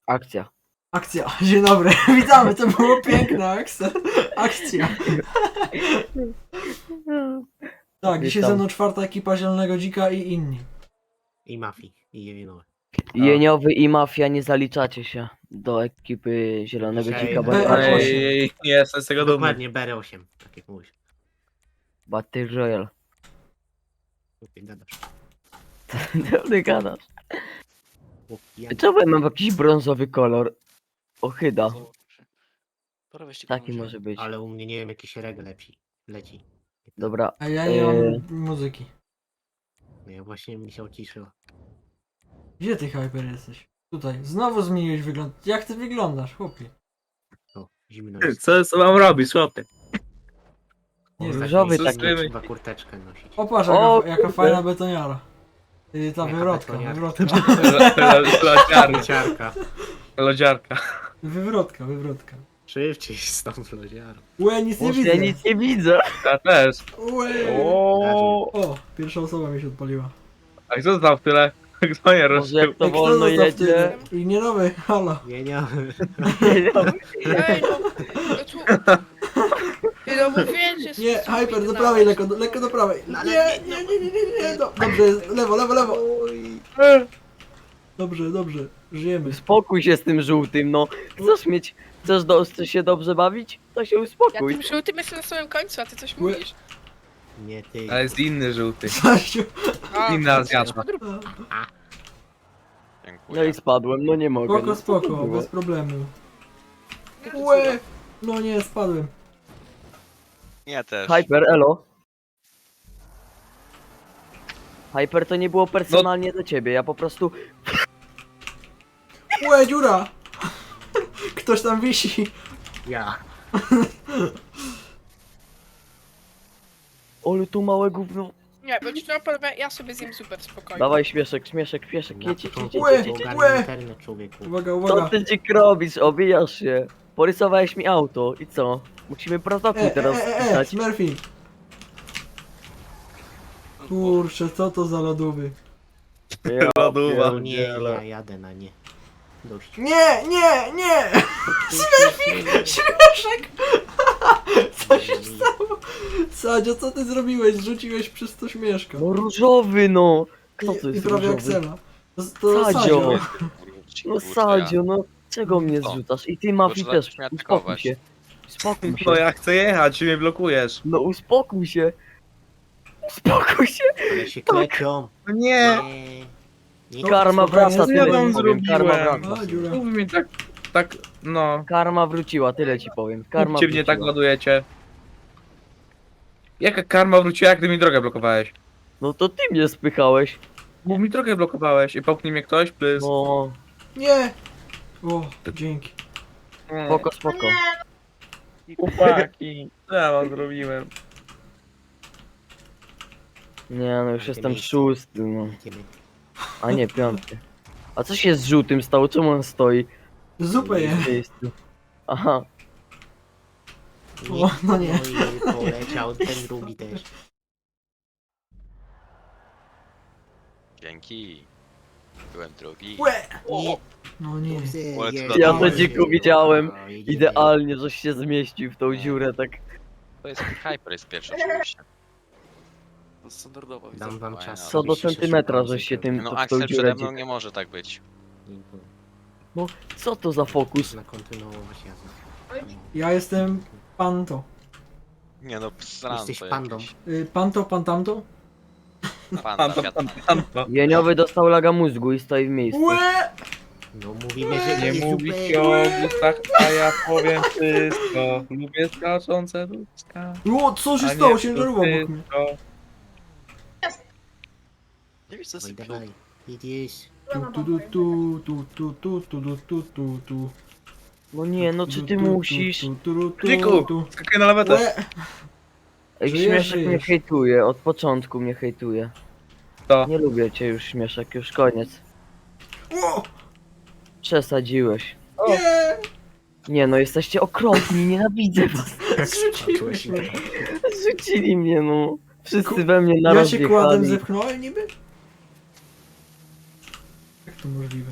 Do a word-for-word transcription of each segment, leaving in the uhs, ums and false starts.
Akcja. Akcja. Dzień dobry. Witamy, to było piękna akcja. Akcja. Tak, dzisiaj Witam. ze mną czwarta ekipa Zielonego Dzika i inni. I mafii, i jewinowe. Jeniowy i Mafia, nie zaliczacie się do ekipy Zielonego Dzisiaj Dzika, B bo R osiem. Ej, nie jestem z tego dumny. Dokładnie B R osiem, tak jak mówisz. Battle Royale. Chłopie, gadasz. Ty gadasz. Chłopie, ja- Czemu ja mam jakiś brązowy kolor? Ochyda. Pora weźcie Taki komuś. może być. Ale u mnie nie wiem, jakiś reg leci. Leci. Dobra. A ja nie Eee, mam muzyki. No ja właśnie mi się uciszyło. Gdzie ty, Hyper, jesteś? Tutaj. Znowu zmieniłeś wygląd. Jak ty wyglądasz, chłopie? O, zimno jest. Co, co mam robić, chłopie? Nie, różowy Ostatnio taki. zimno, trzeba kurteczkę nosić. Popatrz, O, jaka, jaka kurde. fajna betoniara. Yy, ta Jaka wywrotka, betoniara. wywrotka. Lodziarka. Ciarka. Lodziarka. Wywrotka, wywrotka. Szybciej z tą lodziarą. Łe, nic nie Boże, widzę. ja nic nie widzę. Ja też. Łe. O, O, pierwsza osoba mi się odpaliła. a kto został w tyle? Kto nie Może ruszył? jak to Ej, kto wolno został w jedzie. tyle? I nie nowy, halo. Nie, nie. Ej, no, no tu... Ej, no mówię, że... Nie, Hyper, do prawej, lekko, do, lekko do prawej. Nie, nie, nie, nie, nie, nie, do, dobrze, jest, lewo, lewo, lewo. Dobrze, dobrze, żyjemy. Uspokój się z tym żółtym, no. Chcesz mieć, chcesz, do, chcesz się dobrze bawić? To się Ja uspokój. tym żółtym jestem na samym końcu, a ty coś Łe. mówisz. Nie ty. Ale jest inny żółty. Stasiu. A, Inna Azjata. No i spadłem, no nie mogę. Spoko, no, co to spoko, było? bez problemu. Łe. No nie, spadłem. Ja też. Hyper, elo. Hyper, to nie było personalnie do ciebie, ja po prostu... Łe, dziura. Ktoś tam wisi. Ja. Olu, tu małe gówno. nie, bo ci na panowie, ja sobie zjem super spokojnie. Dawaj śmieszek, śmieszek, śmieszek, Na jedź, jedź, jedź, początku Łe, jedź, jedź, jedź. ogarnij łe. internet, człowieku. Uwaga, Co uwaga. ty dzik robisz? Obijasz się. Porysowałeś mi auto i co? Musimy protokół E, e, teraz e, e, pisać. Smurfy. Kurczę, co to za lodówy? Ja Lodowa. No nie, pierdzielę. ja jadę na nie. Dość. Nie, nie, nie! Smurfik! Śmieszek! Co się stało? Sadzio, co ty zrobiłeś? Zrzuciłeś przez to śmieszka. No różowy no! Kto to I, i jest prawie jak różowy? Sela. To, to Sadzio. Sadzio. No Sadzio, no czego mnie No. zrzucasz? I ty Mafi Proszę też, mnie uspokój atakować. się. Uspokój się. No ja chcę jechać, ty mnie blokujesz. No uspokój się. Uspokój się. Ale się klepią. No nie. Nie. Nie. Karma spokojnie, wraca, co tyle ja wam ci powiem. Karma zrobiłem? wraca. A, dziura. Mów mi tak, tak, no. Karma wróciła, tyle ci powiem. Karma Kupcie mnie tak wróciła. ładujecie. Jaka karma wróciła, jak ty mi drogę blokowałeś? No to ty mnie spychałeś. Bo mi drogę blokowałeś i popchnij mnie ktoś, please. No, Nie! O, dzięki. spoko, spoko. Chłopaki, co ja wam zrobiłem? Nie no, już Jakie jestem miejsce? szósty, no. Idziemy. A nie, piąty. A co się z żółtym stało? Czemu on stoi Zupę je. w miejscu? Aha, O, no nie. No i poleciał ten drugi też. Dzięki. Byłem drugi. Łe! Nie. No nie. Ale Nie, to ja na to dole. dziku widziałem. No, jedziemy. Idealnie, żeś się zmieścił w tą dziurę, tak. To jest Hyper jest pierwszy oczywiście. To standardowo. widzę. Dam wam Fajna. czas. Co do żebyście się centymetra, szybko żeś się tym No to w tą Axel dziurę przede mną dzik. nie może tak być. Co to za fokus? Można kontynuować jazdę. Ja jestem Panto. Nie no, sram Jesteś to pandą. jakieś. Y, Panto, pan tamto? Panda, Tam, Fiat tam, tam, tam. Jeniowy dostał laga mózgu i stoi w miejscu. Łe! No mówimy, że Nie jest mówi super. się o butach, a ja powiem wszystko. Lubię skaczące ludzka. O, co się a nie stało? Ciężarówka obok mnie. wszystko. Nie wiesz co Oj, jest dawaj. Jedziesz. Tu, tu, tu, tu, tu, tu, tu, tu, tu, tu, tu. No nie, no czy ty Tu, tu, musisz? tu, tu, tu, tu, Dziku, tu. skakuj na lawetę. Łe! Ej, żyjesz, Śmieszek mnie żyjesz. hejtuje, od początku mnie hejtuje. To. Nie lubię cię już, Śmieszek, już koniec. O! Przesadziłeś. Nie! Nie no, jesteście okropni, nienawidzę was. Zrzuciłeś mnie. Zrzucili mnie, no. Wszyscy we mnie Ja naraz się kładem wjechali. zepchnąłem niby? Jak to możliwe?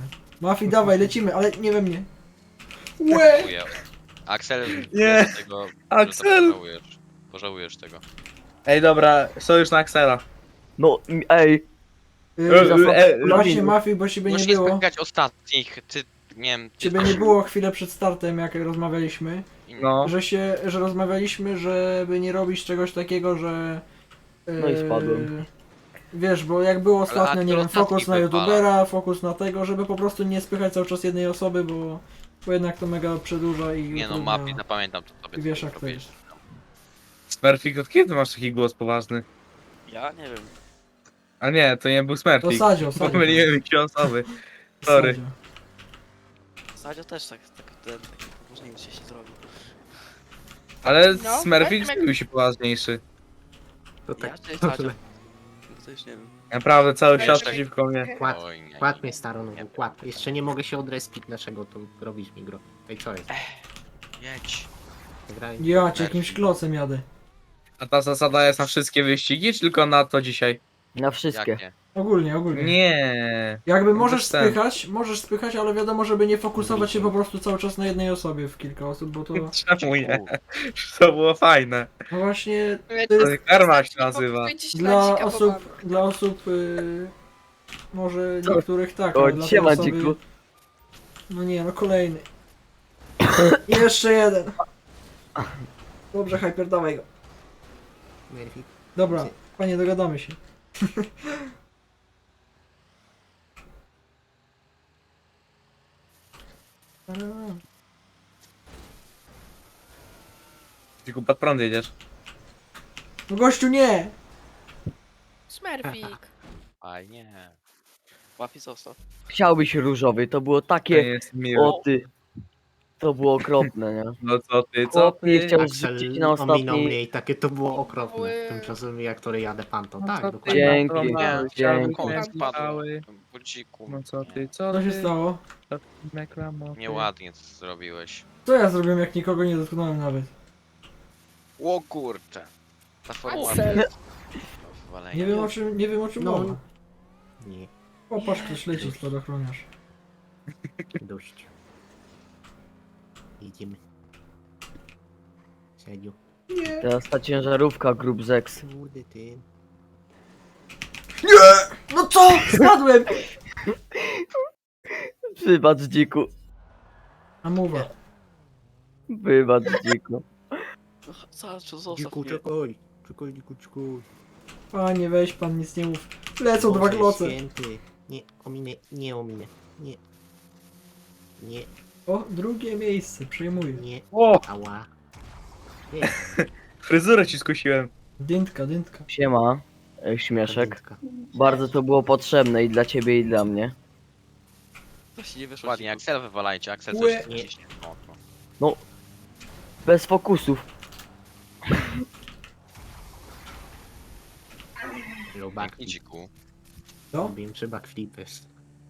Mafii, dawaj, lecimy, ale nie we mnie. Łe! Dziękuję. Axel, Nie. wiesz tego, że to Axel! Pożałujesz. Pożałujesz tego. Ej, dobra, sojusz na Axela. No, m- ej, Y, E, e, Właśnie Mafii, bo ciebie nie Musisz było. spotkać ostatnich, ty, nie wiem... ty- Ciebie nie było chwilę przed startem, jak rozmawialiśmy. No. Że się, że rozmawialiśmy, żeby nie robić czegoś takiego, że... No i spadłem. Wiesz, bo jak było ostatnio, aktor nie wiem, ostatni fokus na wywala. youtubera, fokus na tego, żeby po prostu nie spychać cały czas jednej osoby, bo, bo jednak to mega przedłuża i Nie no, utrudnia. Mapi, zapamiętam to sobie. I wiesz, co jak to robisz. jest. Smurfik, od kiedy masz taki głos poważny? Ja nie wiem. A nie, to nie był To Smurfik. Sadzio, Sadzio. Pomyliłem mi się osoby. Sorry. Sadzio. Sadzio też tak, tak, ten, taki poważniejszy się zrobił. Ale No, Smurfik tak, zrobił się poważniejszy. To Ja tak. czy Sadzio? No to już nie wiem. Naprawdę, cały Ej, świat czekaj. przeciwko mnie. Kład, Oj, nie, kład nie. mnie staro, no kład. Jeszcze nie mogę się odrespić naszego, to robisz mi gro. Ej, co jest? Jedź. Graj. Ja cię jakimś klocem jadę. A ta zasada jest na wszystkie wyścigi, czy tylko na to dzisiaj? na wszystkie. Jak nie? Ogólnie, ogólnie. Nie. Jakby Bez możesz sensu. spychać, możesz spychać, ale wiadomo, żeby nie fokusować się po prostu cały czas na jednej osobie w kilka osób, bo to... Czemu nie? To było fajne. No właśnie, To To karma się nazywa. dla osób, dla osób, yy, może Co? niektórych tak, O, ale dla tej siema, osoby... dziku. No nie, no kolejny. I jeszcze jeden. Dobrze, Hyper, dawaj go. Merfik. Dobra, panie, dogadamy się. Tylko pod prąd jedziesz. No gościu, nie! Smurfik. Aj, nie. Łapi został. Chciałbyś różowy, to było To nie takie... jest miłe. O ty. To było okropne, nie? No co ty, co Chłop nie ty? chciał Axel rzucić na ominął ostatni... mnie i takie to było okropne. Ły. Tymczasem jak to jadę panto. No Tak, co ty, dokładnie. Dzięki, no to mały, dzięki. chciałbyś Koń mieć spadł. mały. Budziku. No co ty, co Co ty? się stało? Co ty, reklamowy? Nieładnie to zrobiłeś. Co ja zrobiłem, jak nikogo nie dotknąłem nawet? O kurczę. Ta formuła Axel. do wywalenia. Nie wiem o czym, nie wiem o czym No. mowa. Nie, Popatrz, ktoś leci spadochroniarz. dość. Idziemy. Serio. Nie! Teraz ta ciężarówka Group Zex. Kurde ty. Nie! No co? Spadłem! Wybacz, dziku. A mowa. Wybacz, dziku. No, Sadzio, zostaw Dziku, mnie. czekaj. Czekaj, dziku, czekaj. Panie, weź pan, nic nie mów. Lecą dwa Boże kloce. Święty. Nie, ominę, nie ominę. Nie. Nie, O, drugie miejsce, przejmuję. nie. O, Ała. Nie, fryzurę ci skusiłem. Dyntka, dyntka. Siema, e, śmieszek. kardynka. Bardzo to było potrzebne i dla ciebie i dla mnie. Właśnie nie wyszło. Ładnie, ci. Axel wywalajcie, Axel Łe. coś ciśnie. O, no. Bez fokusów. Low Pięknie, backflip. dziku. Co? Wiem, czy backflip jest.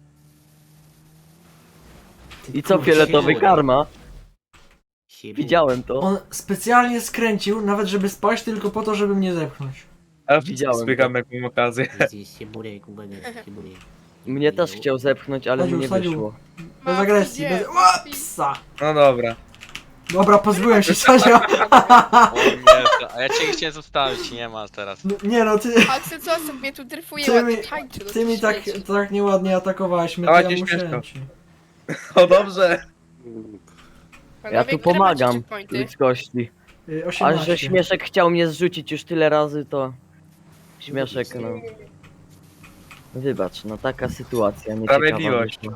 I co, fioletowy karma? Siebie. Widziałem to. On specjalnie skręcił, nawet żeby spaść, tylko po to, żeby mnie zepchnąć. A Widziałem spykam jak mam okazję. Jest się burek, uwaga, się burek. Mnie też chciał zepchnąć, ale mu Sadziu, nie sadziu. wyszło. Bez agresji, bez... O, psa! No dobra. Dobra, pozbyłem się Sadzia. O nie, to- a ja cię chciałem zostawić, nie ma teraz. No, nie no, ty, Axel, co sobie tu dryfuje Ty ładnie mi- tańczy, no ty to mi tak, świeci. tak nieładnie atakowałeś mnie, to Dawajcie ja musiałem śmieszko. ci. O dobrze. Panowie, Ja tu które macie pomagam checkpointy? ludzkości. Y, A osiemnaście. że śmieszek chciał mnie zrzucić już tyle razy, to... Śmieszek, no... Wybacz, no taka sytuacja nieciekawa Sprawiedliwość. wyszła.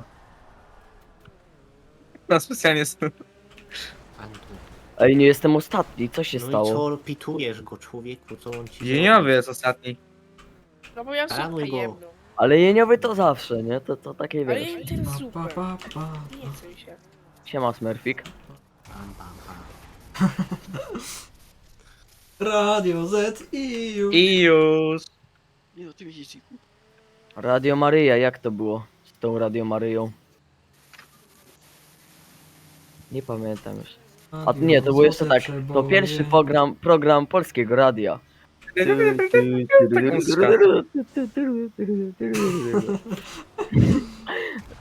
No specjalnie s- Pantu. Ej, nie jestem ostatni, co się No i stało? co, pitujesz go, człowieku, co on ci Jeniowy jest ostatni. No bo ja Paranuj zupę go. jemną. Ale jeniowy to zawsze, nie? To, to takie Ale wiesz. jem tyle Pa, zupę. pa, pa, pa. Nie chcę się. Siema Smurfik. Pam, pam, pam. Radio Z i już. I już. Nie no, ty widzisz, dziku. Radio Maryja, jak to było z tą Radio Maryją? Nie pamiętam już. A nie, to było jeszcze tak. To pierwszy program, program polskiego radia.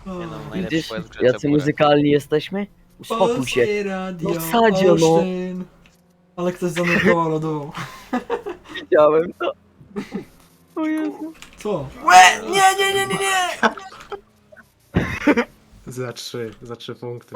Nie no, O, najlepszy Widzisz, poet w grze jacy Cebulę. muzykalni jesteśmy? Uspokój się. Polskie radio, No Sadzio, no. Olsztyn. Ale ktoś zanurkował lodową. Widziałem to. O Jezu. Co? Łe! Nie, nie, nie, nie, nie! Za trzy, za trzy punkty.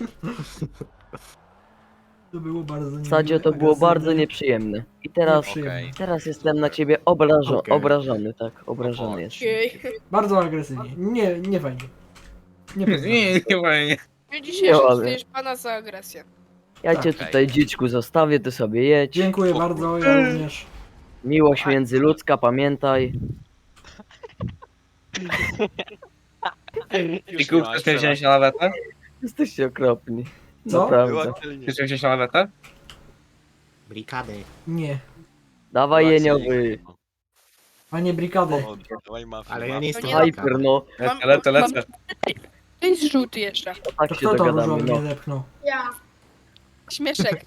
To było bardzo niemiłe, Sadzio, to było agresywne. bardzo nieprzyjemne. I teraz, Nieprzyjemne. Okej. teraz jestem na ciebie obrażo Okej. obrażony, tak? Obrażony jestem. Okej. Bardzo agresywnie. Nie, nie fajnie. Nie Nie, pozwolę. nie, nie fajnie. W dzisiejszym ładnie. dostajesz pana za agresję. Ja Tak. cię tutaj, dziczku, zostawię, ty sobie jedź. Dziękuję O bardzo, ja również. Miłość międzyludzka, pamiętaj. Już Iku, nie ma chcesz mnie jeszcze wziąć na lawetę? Jesteście okropni. Co? Naprawdę. raz. Była Chcesz mnie wziąć na lawetę? Brikady. Nie. Dawaj jeniowy. A nie brikadę. Dawaj mafię. Ale ja nie jestem To nie Hyper, no. Mam- Lecę, lecę, lecę. To jest żółty jeszcze. To tak To się kto to dogadamy, różowy no. mnie zepchnął? Śmieszek.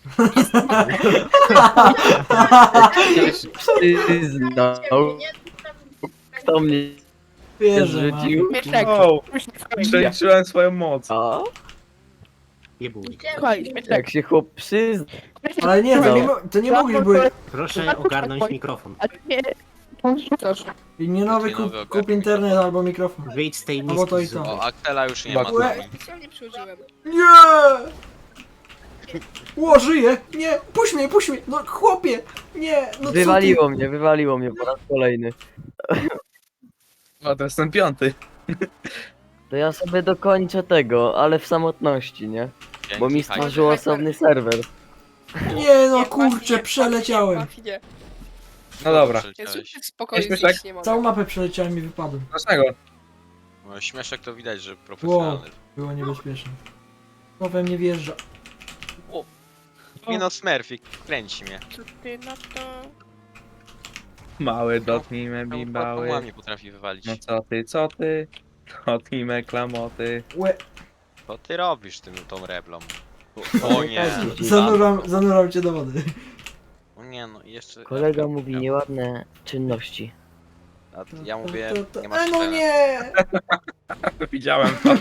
Przyznał. Kto mnie Wierzę, ma. rzucił? Śmieszek. Wow, przeliczyłem swoją moc. A? Jebuj. Słuchaj, śmieszek. Jak się chłop przyzna. Ale nie, to nie, mo- to nie mogliś były. Proszę ogarnąć mikrofon. A nie, to rzucasz. I nie nowy Taki nowy kup, ogarnij kup internet albo mikrofon. Wyjdź z tej Albo No to i miski. to. O, Aktela już nie ma. Łe. z nami. Specjalnie przyłożyłem. Nie! O, żyje! Nie! Puść mnie, puść mnie! No chłopie! Nie! No co ty? Wywaliło mnie, wywaliło mnie po raz kolejny. O, to jestem piąty. To ja sobie dokończę tego, ale w samotności, nie? Dzięki, Bo mi Hyper. stworzył osobny serwer. Nie no Nie, kurczę, właśnie, przeleciałem. właśnie, właśnie. No dobra. Jest Przeleciałeś. tak spokojnie, Śmieszek? zjeść nie mogę. Całą mapę przeleciałem i wypadłem. Dlaczego? No, śmieszek to widać, że profesjonalny. Było niebezpieczne. To we mnie wjeżdża. Nie no, Smurfik, kręci mnie. Co ty na to? Mały, dotknij me Czemu bimbały. Pokemon mnie potrafi wywalić. No co ty, co ty? Dotknij me klamoty. Łe, Co ty robisz tym tą reblą? O nie. zanuram, zanuram cię do wody. O nie, no i jeszcze... Kolega mówi nieładne czynności. A ja mówię, To- to- nie ma E, no czytania. nie! Widziałem to.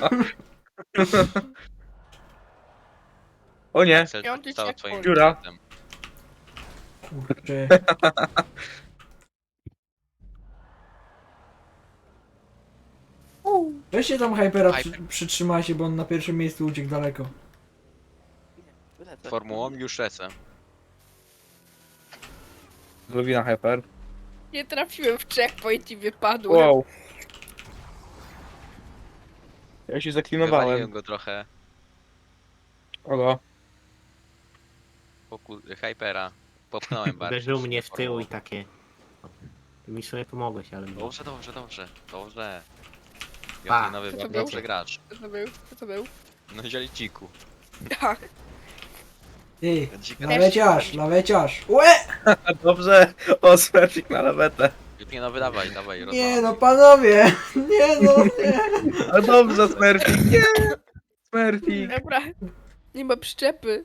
O nie, Axel Piąty stał checkpoint. twoim Dziura. klientem. Kurczę. Weźcie tam Hypera, przy, Hyper. przytrzymajcie, bo on na pierwszym miejscu uciekł daleko. Wylecę. Formułą już lecę. Luwina hyper. Nie trafiłem w checkpoint i wypadłem. Wow. Ja się zaklinowałem. Wywaliłem go trochę. Ogo. Poku... Hypera. Popchnąłem bardzo. Uderzył mnie w tył Formułą. i takie. Ty mi sobie pomogłeś, ale. Dobrze, dobrze, dobrze. Dobrze. Pa. Ja nowy Co to bardzo był? dobrze gracz. Co to był? Co to był? No zieliciku. Tak. Ty, Dzika laweciarz, laweciarz. Łe! Dobrze, o Smurfik na lawetę. Nie no, wydawaj, dawaj, Nie rozwalamy. no, panowie! Nie no, nie! A dobrze, Smurfik, nie! Smurfik. Dobra. Nie ma przyczepy.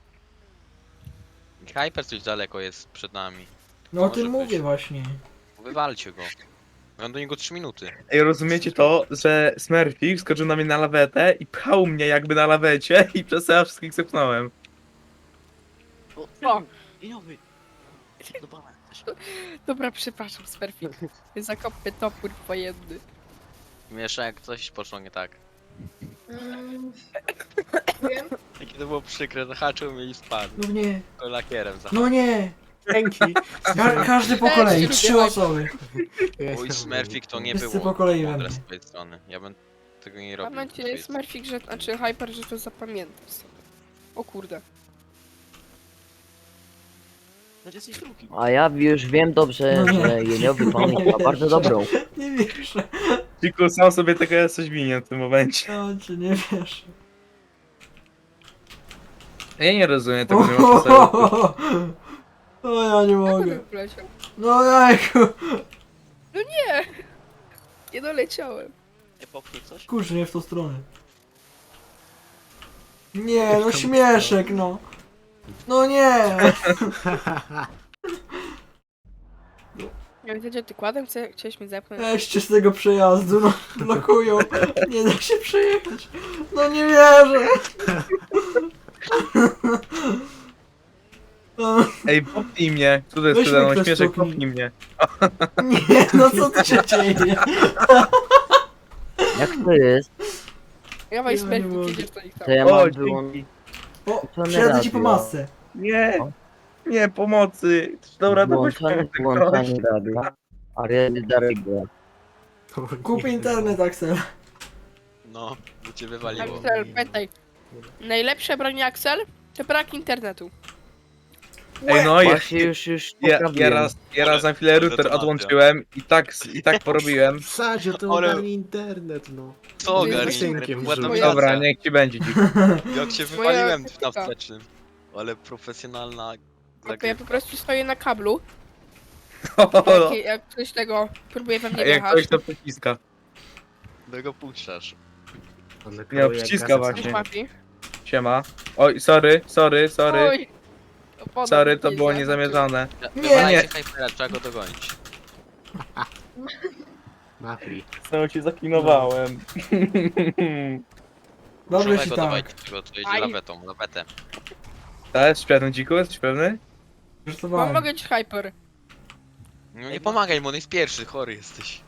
Hyper coś daleko jest przed nami. No o Może tym być. mówię właśnie. Wywalcie go. Mam do niego trzy minuty. Ej, rozumiecie to, że Smurfik skoczył na mnie na lawetę i pchał mnie jakby na lawecie i przez to ja wszystkich zepchnąłem. O, Jeniowy! Dobra, coś. dobra, przepraszam, Sperfik. Zakopmy topór wojenny. Miesza jak coś poszło nie tak. Wiem. Jakie to było przykre, zahaczył mnie i spadł. No nie, To lakierem zahaczył. no nie! Dzięki. Ka każdy po Też kolei, lubię trzy Hypera. osoby. Mój Smurfik to nie Wszyscy było po kolei we mądre mnie. z twojej strony. Ja bym tego nie robił. Mam z nadzieję, twojej strony. Smurfik, że, znaczy Hyper, że to zapamiętasz sobie. O kurde. No jesteś drugi. A ja już wiem dobrze, No nie. że jeniowy pamięć ma bardzo dobrą. Nie wierzę. Ciku, sam sobie tego jesteś winien w tym momencie. No cię nie wierzę. Ja nie rozumiem tego, nie ma sensu. O, ja nie Jak on mogę. poleciał? No jajku. No nie! Nie doleciałem. Nie popchnij coś? Kurczę, nie w tą stronę. Nie, no śmieszek, no. No nie. Ja widzę, że ty kładem chce, chciałeś mnie zepchnąć. Weźcie z tego przejazdu, no blokują. Nie da się przejechać. No nie wierzę. No, Ej, popnij mnie. Tu to jest Weźmy przede mną, ktoś śmieszek, popnij. popnij mnie. nie, no co tu się dzieje? Jak to jest, Dawaj Ja nie Smerfik, mogę. jedziesz do nich tam. to ja O, mam wyłą... dzięki. O, To nie przyjadę ci po radio. masce. Nie, O. nie, pomocy. Dobra, to weź włączanie, pomocy, włączanie radia. Ariany Darego. Kup internet, Axel. No, bo cię wywaliło. Axel, pamiętaj. Najlepsze broń Axel to brak internetu. Ej, no ja, Właśnie już, już ja, ja poprawiłem. raz, ja raz na chwilę router Detonacja. odłączyłem i tak, i tak porobiłem. Sadzie, to Ale- ogarnij internet, no. Co Ty ogarnij? synkiem Była żył. dominacja. Dobra, niech ci będzie dzik. Jak się Moja wywaliłem na taktyka. wstecznym. Ale profesjonalna No to ja zagrywka. po prostu stoję na kablu. O, Jak, jak ktoś tego próbuje we mnie jak wjechać. ktoś to przyciska. No go puszczasz. On Nie, keruje jak przyciska gazet właśnie. Coś łapi. Siema. Oj, sorry, sorry, sorry. Oj. Opona Sorry, to mi było nie niezamierzone. Nie. Wywalajcie Hypera, trzeba go dogonić. Mafii. Znowu ci zaklinowałem. Dobrze ci Szybko tak. dawajcie tego, co jedzie Aj. lawetą, lawetę. Tak, jesteś pewny, dziku? Jesteś pewny? Mam, Żartowałem. mogę ci hyper. No nie pomagaj mu, on jest pierwszy, chory jesteś.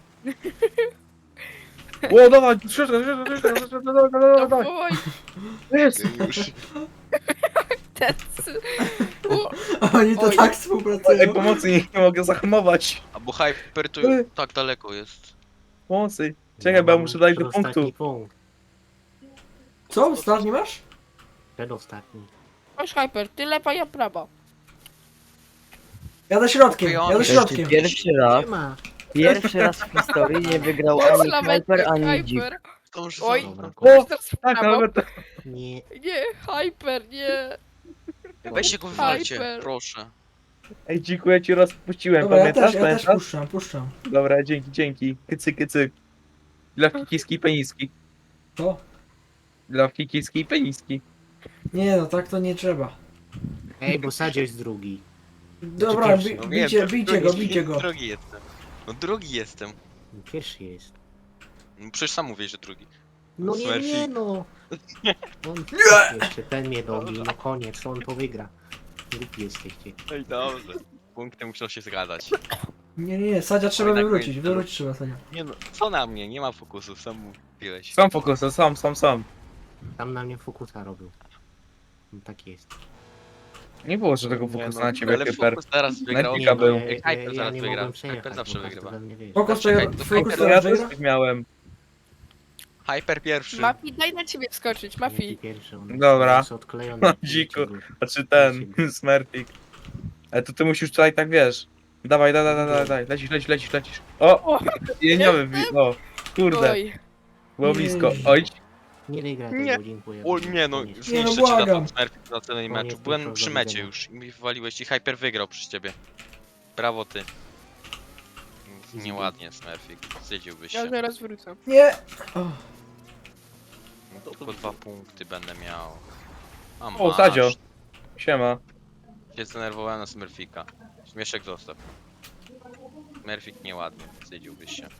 O, dawaj, szybko, szybko, szybko, szybko, dawaj, dawaj, dawaj. Oj, Jest. Już. ten... O, Oni to Oj. tak Ej, współpracują. pomocy, nie, nie mogę zahamować. A bo Hyper tu Ej. tak daleko jest. Pomocy. Czekaj, bo ja muszę dać do Przedostatni punktu. punkt. Co? Ostatni masz? Przedostatni. Masz hyper, ty lewa, ja prawa. Jadę środkiem, jadę Ej, środkiem. Pierwszy raz, Nie ma. pierwszy raz w historii nie wygrał Masz ani lawetę, Hyper, ani Dzik. hyper. To już Oj. za- Dobra, O, Teraz w tak, prawo. ale to... nie. Nie, hyper, nie. Weźcie go wywalcie, Hyper. proszę. Ej, dziku, ja ci rozpuściłem, Dobra, ja pamiętasz? też, ja też Pamiętasz? puszczam, puszczam. Dobra, dzięki, dzięki. Kycy, kycy. Dla kikiski i peniski. To? Dla kikiski i peniski. Nie no, tak to nie trzeba. Ej, bo Sadzie jest drugi. Dobra, pierwszy? bi No wiem, bijcie, to bijcie go, drugi- bijcie go. Drugi jestem. No drugi jestem. Pierwszy jest. No przecież sam mówię, że drugi. No nie, Smurfik. nie no. On jeszcze ten mnie dobił, no koniec, on to wygra. Głupi jesteście. Ej, dobrze. Punkty muszą się zgadzać. Nie, nie, nie, Sadzia trzeba Oj, tak wywrócić, będzie. wywrócić trzeba Sadzia. Nie no, co na mnie? Nie ma fokusu, sam mówiłeś. Sam fokus, sam, sam, sam. Tam na mnie fokusa robił. No tak jest. Nie było żadnego Nie fokusu no, na ciebie, ale Hyper. fokus teraz wygrał. Pika był. ja, Ej, ja, Hyper ja zaraz nie wygra. mogłem przejechać, Hyper zawsze bo każdy wygrywa. we mnie wjeżdżał. Fokus, Czekaj, to to fokus Hyper- to Ja wygra? też miałem. Hyper pierwszy. Mafi, daj na ciebie wskoczyć, Jaki Mafi. pierwszy, on Dobra. jest odklejony. Dziku. Znaczy ten, Smurfik. Ale to ty musisz tutaj tak, wiesz. Dawaj, dawaj, dawaj, dawaj, dawaj. Lecisz, lecisz, lecisz, lecisz. O! O, Jeniowy, wi- o, kurde, oj. było blisko. Oj, Nie wygra Nie. tego, dziękuję. O nie no, Nie no, zniszczę ci błagam. na Smurfik na całym Koniec meczu. Byłem tylko, przy do mecie widzenia. już i mi wywaliłeś i Hyper wygrał przez ciebie. Brawo ty. Nieładnie Smurfik, zjedziłbyś Ja się. zaraz wrócę. Nie! O, Tylko dwa punkty będę miał. A o, masz. Sadzio. Siema. Się zdenerwowałem na Smurfika. Śmieszek zostaw. Smurfik nieładnie, zjedziłbyś się.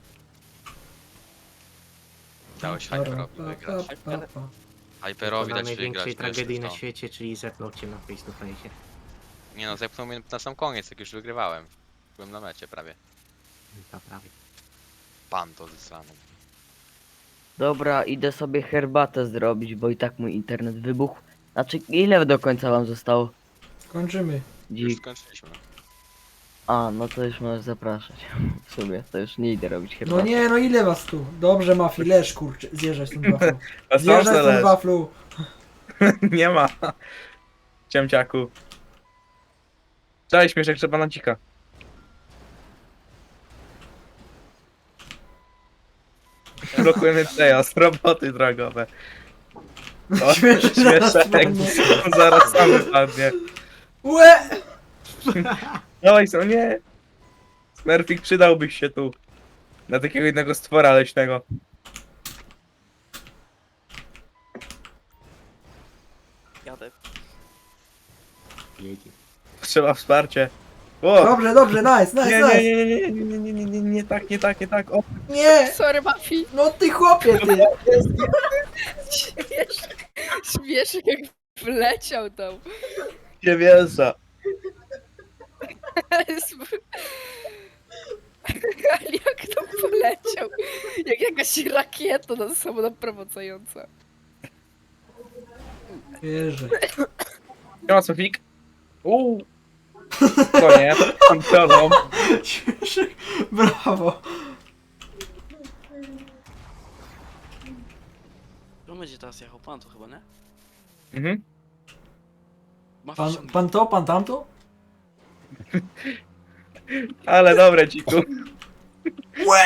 Dałeś para, Hyperowi pa, wygrać. pa, pa, pa. Hyperowi Na dać największej wygrać. tragedii wiesz, na co? świecie, czyli zepnął cię na face to face. Nie no, zepchnął mnie na sam koniec, jak już wygrywałem. Byłem na mecie prawie. To prawie. Pan to zesrany. Dobra, idę sobie herbatę zrobić, bo i tak mój internet wybuchł. Znaczy, ile do końca wam zostało? Kończymy. Już Dzik. skończyliśmy. A, no to już możesz zapraszać. W sumie, to już nie idę robić herbaty. No nie, no ile was tu? Dobrze, Mafi, leż kurczę, zjeżdżaj stąd waflu. A sam Zjeżdżaj se stąd leż. waflu. Nie ma. Ciemciaku. Cześć, śmieszek, trzeba na dzika. Blokujemy przejazd, roboty drogowe. O, Śmieszek zaraz śmieszek, padnie. zaraz sam wypadnie. Łe! Dawaj, co nie. Smurfik, przydałbyś się tu. Na takiego jednego stwora leśnego. Jadę. Jedzie. Trzeba wsparcie. O! Dobrze, dobrze, nice, nice, Nie, nice. nie, nie, nie, nie, nie, nie, nie, nie, nie tak, nie tak, nie tak. O, Nie! Sorry, Mafi. No ty chłopie, ty! Śmieszek, śmieszek jak wleciał tam. nie wierzę. Ale jak tam poleciał? Jak jakaś rakieta na samonaprowadzająca. Wierzę. Siema, Sofik. Uuu. To nie, kontrolą. Śmieszek, brawo. Kto będzie teraz jechał? Pan to chyba, nie? Mhm. Ma Pan, wciągnąć. pan to, pan tamto? Ale dobre, dziku. Łe!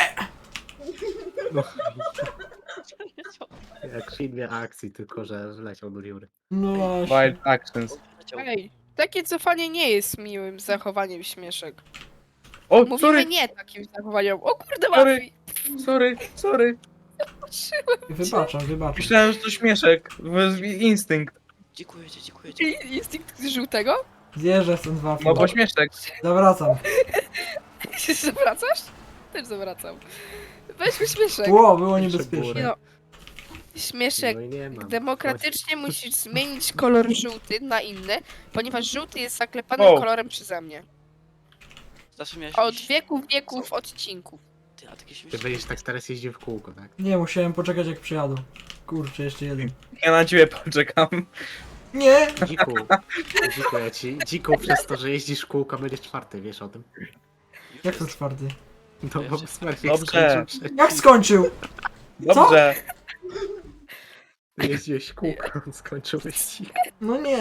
Jak w filmie akcji, tylko że wleciał do dziury. No właśnie. Wild actions. Leciał. Ej, takie cofanie nie jest miłym zachowaniem, Śmieszek. O, Mówimy sorry, nie takim zachowaniem. O kurde, Sorry. Mafi! sorry, sorry. Wybaczam, wybaczam. Myślałem, że to śmieszek. To jest instynkt. Dziękuję ci, dziękuję ci. Instynkt żółtego? Zjeżdżę stąd dwa No bo śmieszek. Zawracam. Zawracasz? Też zawracam. Weźmy Śmieszek. Ło, było Jeszcze niebezpieczne. Nie no. Śmieszek, No i nie mam. demokratycznie musisz zmienić kolor żółty na inny, ponieważ żółty jest zaklepanym O. kolorem przeze mnie. Zawsze miałeś Od jakiś- wieków, wieków, odcinków. Ty, a takie Ty śmieszne. będziesz tak teraz jeździł w kółko, tak? Nie, musiałem poczekać jak przyjadą. Kurczę, jeszcze jeden. Ja na ciebie poczekam. Nie! Dziku, dziku, ja ci, dziku przez to, że jeździsz w kółko, będziesz czwarty, wiesz o tym? Jak to czwarty? No bo Smurfik Dobrze. skończył przed... Jak skończył? Dobrze. Jeździłeś w kółko, on skończył wyścig. No nie.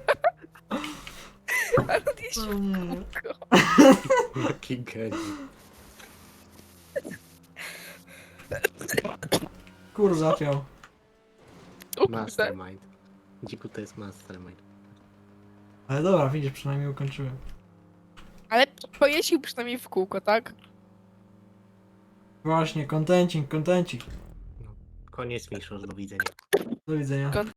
Ale on jest No nie. Jaki geniusz. Kur zapiał. o kurde. Mastermind. Dziku to jest mastermind. Ale dobra, widzisz, przynajmniej ukończyłem. Ale pojeździł przynajmniej w kółko, tak? Właśnie, kontencik, kontencik. Koniec, Miszosz, do widzenia. Do widzenia. Kon-